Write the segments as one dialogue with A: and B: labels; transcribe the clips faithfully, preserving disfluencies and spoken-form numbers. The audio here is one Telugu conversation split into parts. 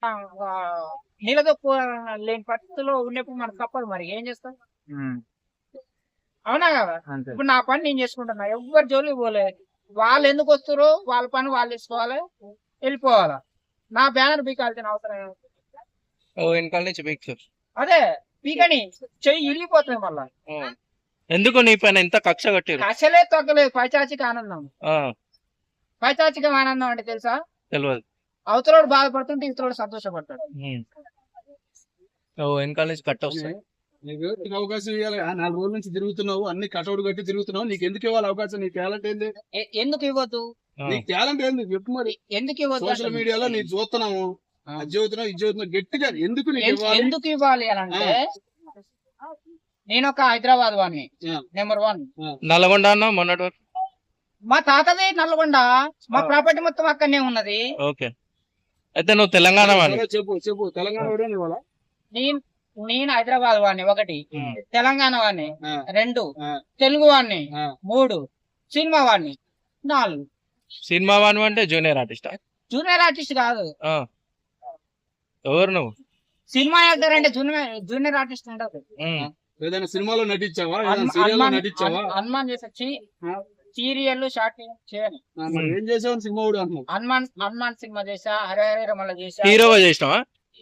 A: ఆ! ఆహ్, నిలదొక్కువ లేని పరిస్థితిలో ఉన్నప్పుడు మనకు తప్పదు మరి ఏం చేస్తాం?
B: హ్మ్.
A: అవునా కదా!
B: అంతే.
A: ఇప్పుడు నా పని నేను చేసుకుంటున్నా. ఎవ్వరి జోలికి పోలే. వాళ్ళెందుకొస్తుర్రో వాళ్ళ పని వాళ్ళేసుకోవాలి. ఎళ్ళిపోవాలా. నా బ్యానర్ పీకాల్సిన అవసరం ఏముంది?
C: ఓ వెనకాల నుంచి పీక్స్.
A: అదే పీకని చెయ్యి ఇరిగిపోతది మళ్ళా.
C: ఎందుకు నీ పైన ఇంత కక్ష కట్టిరు?
A: అసలే తగ్గలేదు పైచాచిక ఆనందం.
C: ఆ,
A: పైచాచిక ఆనందం అంటే తెలుసా?
C: తెలియదు.
A: అవతలోడు బాధపడుతుంటే ఇవతలోడు సంతోషపడతాడు.
C: ఉమ్. ఓ వెనకాల నుంచి కట్ట వస్తాయి.
B: నీకు నీకు అవకాశం ఇవ్వాలి. ఆ నాలుగు రోజుల నుంచి తిరుగుతున్నావు, అన్ని కటౌట్ కట్టి తిరుగుతున్నావు. నీకు ఎందుకు ఇవ్వాలి అవకాశం? నీ టాలెంట్ ఏంది?
A: ఎ- ఎందుకు ఇవ్వద్దు?
C: ఆ,
B: నీ టాలెంట్ ఏంది చెప్పు మరి.
A: ఎందుకు ఇవ్వద్దు
B: సోషల్
A: అంటున్నా.
B: మీడియాలో నీ చూస్తున్నాము,
A: ఆ.
B: అది చదువుతున్నావు, ఇది చదువుతున్నావు, గట్టిగా ఎందుకు నీకు
A: ఎన్-
B: ఇవ్వాలి?
A: ఎందుకు ఇవ్వాలి అని అంటే నేను ఒక హైదరాబాద్ వాడిని
B: ఆ,
A: నెంబర్ వన్.
B: ఆ.
C: నల్గొండ అన్న మొన్నటి వరకు.
A: మా తాతది నల్గొండ, మా
C: ఆ.
A: ప్రాపర్టీ మొత్తం అక్కడనే ఉన్నది.
C: ఓకే, అయితే నువ్వు తెలంగాణ వాడిని.
B: సరే చెప్పు చెప్పు తెలంగాణ వాడే నీ వాళ్ళ?
A: నేను నేను హైదరాబాద్ వాడిని ఒకటి,
C: ఉమ్.
A: తెలంగాణ వాడిని
B: ఆ,
A: రెండు,
B: ఆ,
A: తెలుగు వాడిని
B: ఆ.
A: మూడు, సినిమా వాడిని నాలుగు.
C: సినిమా వాడిని అంటే జూనియర్ ఆర్టిస్ట్.
A: జూనియర్ ఆర్టిస్ట్ కాదు,
C: ఎవరు నువ్వు?
A: సినిమా యాక్టర్ అంటే జూనియర్ జూనియర్ ఆర్టిస్ట్ ఉండదు.
C: ఉమ్.
B: ఏదైనా సినిమాలో నటించావా? ఏదైనా
A: హనుమాన్
B: సీరియల్లో నటించావా?
A: హనుమాన్ చేసొచ్చి సీరియల్ షార్ట్ ఫిల్మ్ చేయను.
B: ఆ, మరి ఏం చేసావు సినిమా కూడా అంటున్నావు?
A: హనుమాన్ హనుమాన్ సినిమా చేసా, హరే హరే రమల చేసా.
C: హీరోగా చేసినావా?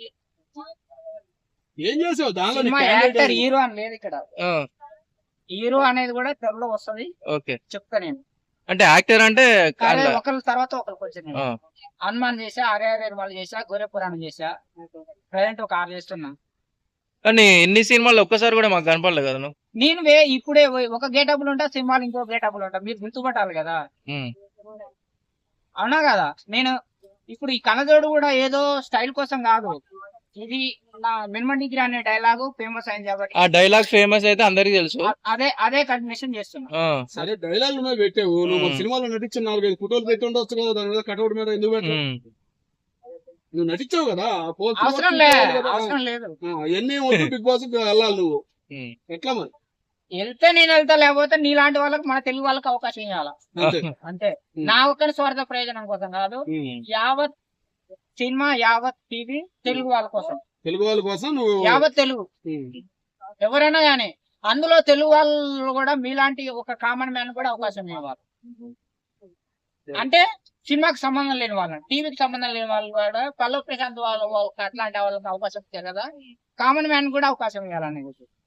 B: ఏం చేసావు దానిలో? నీ
A: సినిమా
B: talent
A: యాక్టర్
B: ఏంది?
A: హీరో అని లేదు ఇక్కడ.
C: ఆ,
A: హీరో అనేది కూడా త్వరలో వస్తది,
C: ఓకే.
A: చెప్తా నేను.
C: అంటే యాక్టర్ అంటే
A: కానీ
C: కాదులే.
A: ఒకరి తర్వాత ఒకరికి వచ్చి నేను
C: ఆ,
A: హనుమాన్ చేసా, హరే హరే రమల చేసా, గొర్రె పురాణం చేసా. ప్రజెంట్ ఒక ఆరు చేస్తున్నా.
C: కానీ ఇన్ని సినిమాలు ఒక్కసారి కూడా మాకు కనపడలేదు కదా నువ్వు.
A: నేను వే ఇప్పుడే పోయి ఒక గేటబుల్ ఉంటా, సినిమాలు ఇంకో గేటబుల్ ఉంటా. మీరు గుర్తుపట్టాలి కదా,
C: ఉమ్.
A: అవునా కదా? నేను ఇప్పుడు ఈ కనజోడు కూడా ఏదో స్టైల్ కోసం కాదు, ఇది నా మినిమం డిగ్రీ అనే డైలాగు ఫేమస్ అయింది కాబట్టి
C: ఆ డైలాగ్ ఫేమస్ అయితే అందరికి తెలుసు.
A: అ- అదే అదే కంటిన్యూషన్ చేస్తున్నా.
C: ఆ,
B: సరే డైలాగ్ మీద పెట్టావు నువ్వు. మరి
C: ఉమ్.
B: సినిమాలో నటించిన నాలుగైదు ఫోటోలు పెట్టి ఉండొచ్చు కదా, దాని మీద కటౌట్ మీద ఎందుకు పెట్టావు?
C: ఉమ్.
B: నువ్వు నటించావు కదా, ఆ పోస్ట్
A: అవసరం లే
B: చూపించాలి కదా.
A: అవసరం లేదు.
B: ఆ, ఎన్ని వద్దు బిగ్ బాస్ కి వెళ్ళాలి నువ్వు.
C: ఉమ్.
B: ఎట్లా మరి?
A: వెళ్తే నేను వెళ్తా, లేకపోతే నీలాంటి వాళ్ళకి, మన తెలుగు వాళ్ళకి అవకాశం ఇవ్వాలా
B: అంతే.
A: అంతే.
B: ఉమ్.
A: నా ఒక్కరి స్వార్థ ప్రయోజనం కోసం కాదు,
C: ఉమ్.
A: యావత్ సినిమా, యావత్ టీవీ తెలుగు వాళ్ళ కోసం,
B: తెలుగు వాళ్ళ కోసం నువ్వు.
A: యావత్ తెలుగు
B: ఉమ్.
A: ఎవరైనా గానీ అందులో తెలుగు వాళ్ళు కూడా మీలాంటి ఒక కామన్ మ్యాన్ కూడా అవకాశం ఇవ్వాలి. అంటే సినిమాకి సంబంధం లేని వాళ్ళని, టీవీకి సంబంధం లేని వాళ్ళు కూడా, పల్లవ్ ప్రశాంత్ వాళ్ళ వాళ్ళకి అట్లాంటి వాళ్ళకి అవకాశం ఇచ్చారు కదా, కామన్ మ్యాన్ కూడా అవకాశం ఇవ్వాలని.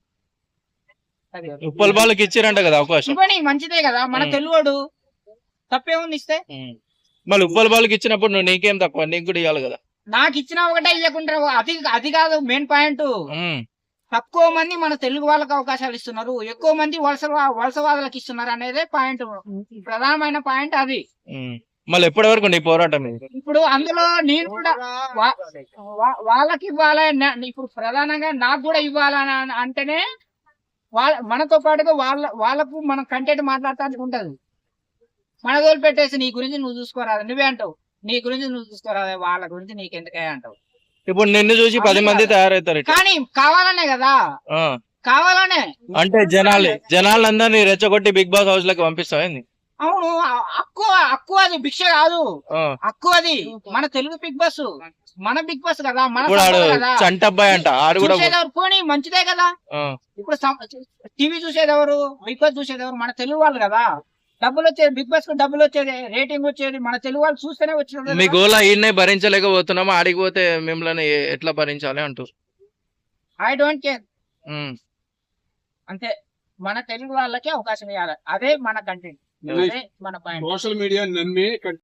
A: అది
C: ఉప్పల్ బాలకి ఇచ్చిరంట కదా అవకాశం.
A: ఇవ్వని మంచిదే కదా, మన
C: ఉమ్.
A: తెలుగుడు తప్పేముంది ఇస్తే.
C: ఉమ్. మళ్ళీ ఉప్పల్ బాలకి ఇచ్చినప్పుడు నువ్వు నీకేం తక్కువ, నీకు కూడా ఇవ్వాలి కదా.
A: నాకు ఇచ్చిన ఒకటే ఇవ్వకుండా, అది అది కాదు మెయిన్ పాయింట్.
C: ఉమ్.
A: తక్కువ మంది మన తెలుగు వాళ్ళకి అవకాశాలు ఇస్తున్నారు, ఎక్కువ మంది వలస వలసవాదులకు ఇస్తున్నారు అనేది పాయింట్, ప్రధానమైన పాయింట్ అది.
C: ఉమ్. మళ్ళీ ఎప్పటి వరకు నీ పోరాటం ఇది?
A: ఇప్పుడు అందులో నేను కూడా వా- వా- వాళ్ళకి ఇవ్వాలని, ఇప్పుడు ప్రధానంగా నాకు కూడా ఇవ్వాలని అన- అంటేనే వాళ్ళ మనతో పాటుగా వాళ్ళ వాళ్ళకు మనం కంటెంట్ మాట్లాడటానికి ఉంటది. మన తోలు పెట్టేసి నీ గురించి నువ్వు చూసుకోరాదు, నువ్వే అంటావు నీ గురించి నువ్వు చూసుకోరాదు, వాళ్ళ గురించి నీకెందుకే అంటావు.
C: ఇప్పుడు నిన్ను చూసి పది మంది తయారవుతారు ఇట్లా.
A: కానీ కావాలనే కదా,
C: ఆ.
A: కావాలనే.
C: అంటే జనాలు జనాలందరినీ రెచ్చగొట్టి బిగ్ బాస్ హౌస్ లకి పంపిస్తావు ఏంది?
A: అవును, అక్కువ అక్కువ అది భిక్ష కాదు,
C: ఆ.
A: అక్కువ అది మన తెలుగు బిగ్ బాస్, మన బిగ్ బాస్ కదా, మన
C: ఇప్పుడు ఆడు
A: సంపద కదా.
C: చంటబ్బాయి అంట ఆడు కూడా.
A: చూసేదెవరు పోనీ మంచిదే కదా.
C: ఆ.
A: ఇప్పుడు టీవీ చూసేదెవరు, బిగ్ బాస్ చూసేదెవరు, మన తెలుగు వాళ్ళు కదా. డబ్బులు వచ్చేది బిగ్ బాస్ కు, డబ్బులు వచ్చేది, రేటింగ్ వచ్చేది మన తెలుగు వాళ్ళు చూస్తేనే వచ్చినది.
C: మీ గోల ఈయన్నే భరించలేకపోతున్నాము, ఆడికి పోతే మిమ్మల్ని ఎ- ఎట్లా భరించాలి అంటూ.
A: ఐ డోంట్ కేర్,
C: ఉమ్.
A: అంతే. మన తెలుగు వాళ్ళకి అవకాశం ఇవ్వాలి, అదే మన కంటెంట్, అదే మన పాయింట్.
B: సోషల్ మీడియా నమ్మి